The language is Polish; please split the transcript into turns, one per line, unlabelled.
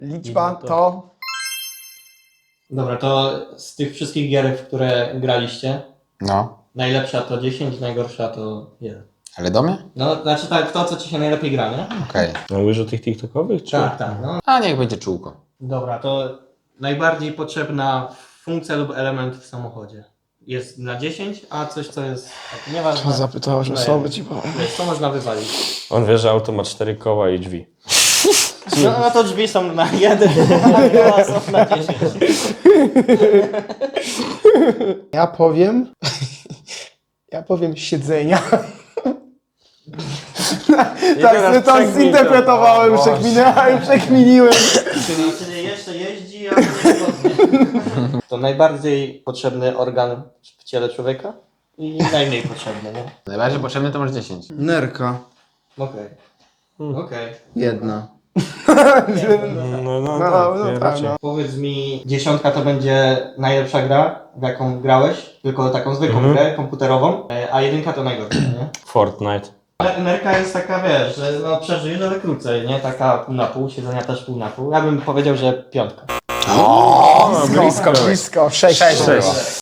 Liczba to...
Dobra, to z tych wszystkich gier, w które graliście,
No,
najlepsza to 10, najgorsza to 1.
ale do mnie?
No, znaczy tak, w to, co ci się najlepiej gra, nie?
Okej.
No mówisz o tych TikTokowych? Czy...
Tak, tak, no.
A niech będzie czółko.
Dobra, to najbardziej potrzebna funkcja lub element w samochodzie. Jest na 10, a coś, co jest... Tak, nieważne.
Zapytałeś
No
osoby,
jak?
ci powiem.
Wiesz, co można wywalić?
On wie, że auto ma 4 koła i drzwi.
No to drzwi są na 1, a koła są na 10.
Ja powiem... Ja powiem siedzenia. Tak, to zinterpretowałem, przekminiłem.
Czyli jeszcze jeździ, a nie wygodnie. To najbardziej potrzebny organ w ciele człowieka i najmniej potrzebny, nie?
Najbardziej potrzebny to masz 10.
Nerka.
Okej. Okej.
Jedna.
No
tak,
raczej.
no.
Powiedz mi, 10 to będzie najlepsza gra, w jaką grałeś, tylko taką zwykłą grę komputerową, a 1 to najgorsza, nie?
Fortnite.
Ale nerka jest taka, wiesz, że no przeżyjesz, ale krócej, nie? Taka pół na pół, siedzenia też pół na pół. Ja bym powiedział, że 5.
Blisko. 6.